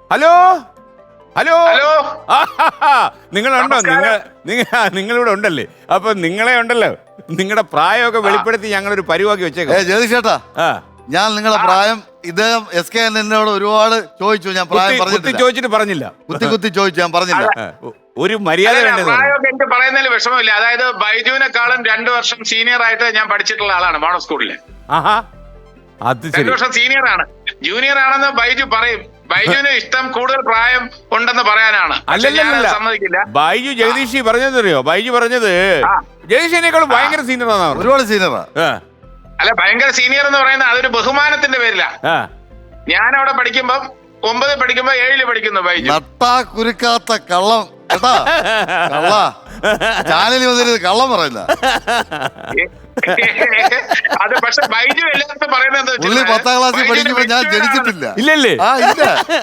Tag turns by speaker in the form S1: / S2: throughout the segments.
S1: Hello hello
S2: hello
S1: നിങ്ങളുണ്ടോ? നിങ്ങളിവിടെ ഉണ്ടല്ലേ? അപ്പൊ നിങ്ങളെ ഉണ്ടല്ലോ, നിങ്ങളുടെ പ്രായമൊക്കെ വെളിപ്പെടുത്തി ഞങ്ങളൊരു പരിവാക്കി വെച്ചേക്കാം.
S3: ജ്യോതിഷേട്ടാ, ഞാൻ നിങ്ങളുടെ പ്രായം ഇദ്ദേഹം SK എന്നോട് ഒരുപാട് ചോദിച്ചു. ഞാൻ പ്രായം പറഞ്ഞിട്ടില്ല.
S1: ചോദിച്ചിട്ട് പറഞ്ഞില്ല.
S3: കുത്തി ചോദിച്ചു, ഞാൻ പറഞ്ഞില്ല.
S1: ഒരു മര്യാദ വേണ്ടത്.
S2: പ്രായമൊക്കെ എനിക്ക് പറയുന്നതിൽ വിഷമമില്ല. അതായത് ബൈജുവിനെക്കാളും 2 വർഷം സീനിയർ ആയിട്ട് ഞാൻ പഠിച്ചിട്ടുള്ള ആളാണ് മോണോ സ്കൂളില്.
S1: ആഹാ, അത്
S2: 2 വർഷം സീനിയർ ആണ്. ജൂനിയർ ആണെന്ന് ബൈജു പറയും. ബൈജുവിന് ഇഷ്ടം കൂടുതൽ പ്രായം ഉണ്ടെന്ന് പറയാനാണ്.
S1: അല്ലല്ല,
S2: സമ്മതിക്കില്ല.
S1: ബൈജു ജഗദീഷ് പറഞ്ഞതറിയോ? ബൈജു പറഞ്ഞത് ജഗദീഷിനേക്കാളും ഭയങ്കര സീനിയർ ആണ്.
S3: ഒരുപാട് സീനിയറാ.
S2: അല്ല, ഭയങ്കര സീനിയർ എന്ന് പറയുന്നത് അതൊരു ബഹുമാനത്തിന്റെ പേരില. ഞാൻ അവിടെ പഠിക്കുമ്പോ 9 പഠിക്കുമ്പോ 7 പഠിക്കുന്നു ബൈജു.
S3: നട്ടാ കുരുക്കാത്ത കള്ളം കേട്ടാ, കള്ള ചാനലിൽ വന്നിരുന്നത് കള്ളം പറയുന്ന.
S2: അത് പക്ഷെ ബൈജു എല്ലാത്തും പറയുന്നത്
S3: പുള്ളി 10ാം ക്ലാസ്സിൽ പഠിക്കുമ്പോ ഞാൻ ജനിച്ചിട്ടില്ല.
S1: ഇല്ലല്ലേ?
S3: ഇല്ല.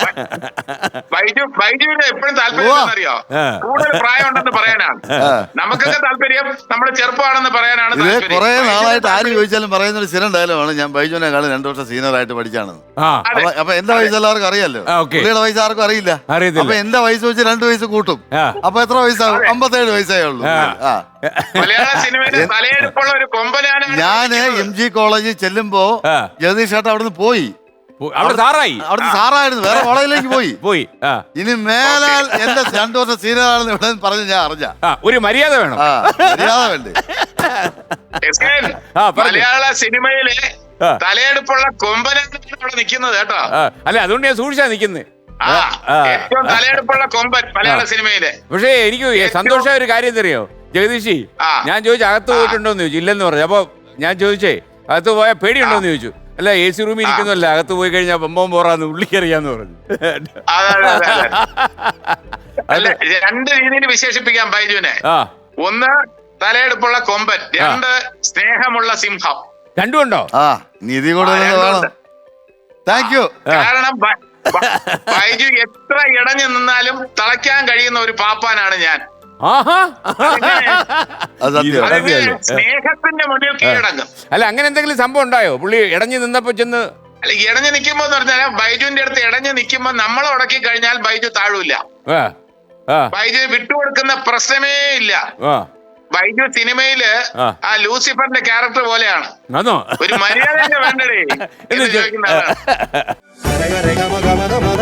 S2: ബൈജുവിന് എപ്പോഴും താല്പര്യം അറിയോ? കൂടുതൽ പ്രായം ഉണ്ടെന്ന് പറയാനാണ്. നമുക്കൊക്കെ താല്പര്യം നമ്മുടെ ചെറുപ്പമാണെന്ന് പറയാനാണ്.
S3: ഇത് കുറെ നാളായിട്ട് ആര് ചോദിച്ചാലും പറയുന്ന ഒരു സ്ഥിരം ഡയലോഗാണ്, ഞാൻ ബൈജുവിനെക്കാളും 2 വർഷം സീനിയർ ആയിട്ട് പഠിച്ചാണെന്ന്. അപ്പൊ എന്റെ വയസ്സ് എല്ലാവർക്കും അറിയാലോ, പുള്ളിയുടെ വയസ്സ് ആർക്കും അറിയില്ല. അപ്പൊ എന്റെ വയസ്സ് വെച്ച് 2 വയസ്സ് കൂട്ടും. അപ്പൊ എത്ര വയസ്സാകും? 57 വയസ്സേ ഉള്ളൂ.
S2: മലയാള സിനിമയിലെ തലയെടുപ്പുള്ള ഒരു കൊമ്പനാണ്.
S3: ഞാന് MG കോളേജിൽ ചെല്ലുമ്പോ ജഗദീഷ് ചേട്ടൻ അവിടുന്ന് പോയി. അവിടുന്ന് സാറായിരുന്നു, വേറെ കോളേജിലേക്ക് പോയി. ഇനി മേലാൽ എന്റെ 2 വർഷം സീനിയർ ആണെന്ന് ഇവിടെ പറഞ്ഞ് ഞാൻ അറിഞ്ഞ.
S1: ഒരു മര്യാദ വേണം.
S3: മര്യാദ വേണ്ടേ?
S2: മലയാള സിനിമയിലെ തലയെടുപ്പുള്ള കൊമ്പനാണ് ഇവിടെ നിൽക്കുന്നത് കേട്ടോ.
S1: അല്ല, അതുകൊണ്ട് ഞാൻ സൂക്ഷിച്ചാ നിക്കുന്നത്.
S2: ഏറ്റവും തലയെടുപ്പുള്ള കൊമ്പൻ മലയാള സിനിമയിലെ.
S1: പക്ഷേ എനിക്ക് സന്തോഷമായ ഒരു കാര്യം അറിയോ ജഗദീഷി? ഞാൻ ചോദിച്ചു അകത്ത് പോയിട്ടുണ്ടോന്ന് ചോദിച്ചു. ഇല്ലെന്ന് പറഞ്ഞു. അപ്പൊ ഞാൻ ചോദിച്ചേ അകത്ത് പോയാൽ പേടിയുണ്ടോന്ന് ചോദിച്ചു. അല്ല, AC റൂമിൽ ഇരിക്കുന്നല്ല, അകത്ത് പോയി കഴിഞ്ഞാൽ ബൊമ്പം പോറാന്ന് ഉള്ളിക്കറിയാന്ന് പറഞ്ഞു.
S2: അല്ല, 2 രീതിയിൽ വിശേഷിപ്പിക്കാം ബൈജുവിനെ. 1 തലയെടുപ്പുള്ള കൊമ്പൻ, 2 സ്നേഹമുള്ള സിംഹം.
S1: രണ്ടും ഉണ്ടോ?
S3: നിധി കൂടുതൽ. Thank you.
S2: കാരണം ബൈജു എത്ര ഇടഞ്ഞു നിന്നാലും തളയ്ക്കാൻ കഴിയുന്ന ഒരു പാപ്പാനാണ് ഞാൻ. സ്നേഹത്തിന്റെ മുന്നിൽ കീഴടങ്ങും.
S1: അല്ല, അങ്ങനെ എന്തെങ്കിലും സംഭവം ഉണ്ടായോ? പുള്ളി ഇടഞ്ഞു നിന്നപ്പോ ചെന്ന്?
S2: അല്ല, ഇടഞ്ഞു നിൽക്കുമ്പോ എന്ന് പറഞ്ഞാൽ ബൈജുവിന്റെ അടുത്ത് ഇടഞ്ഞു നിൽക്കുമ്പോ നമ്മൾ ഉടക്കി കഴിഞ്ഞാൽ ബൈജു താഴൂല. ബൈജു വിട്ടുകൊടുക്കുന്ന പ്രശ്നമേ ഇല്ല. ബൈജു സിനിമയില് ആ ലൂസിഫറിന്റെ ക്യാരക്ടർ പോലെയാണ്. ഒരു മര്യാദ വേണ്ടേ എന്ന് ചോദിക്കുന്ന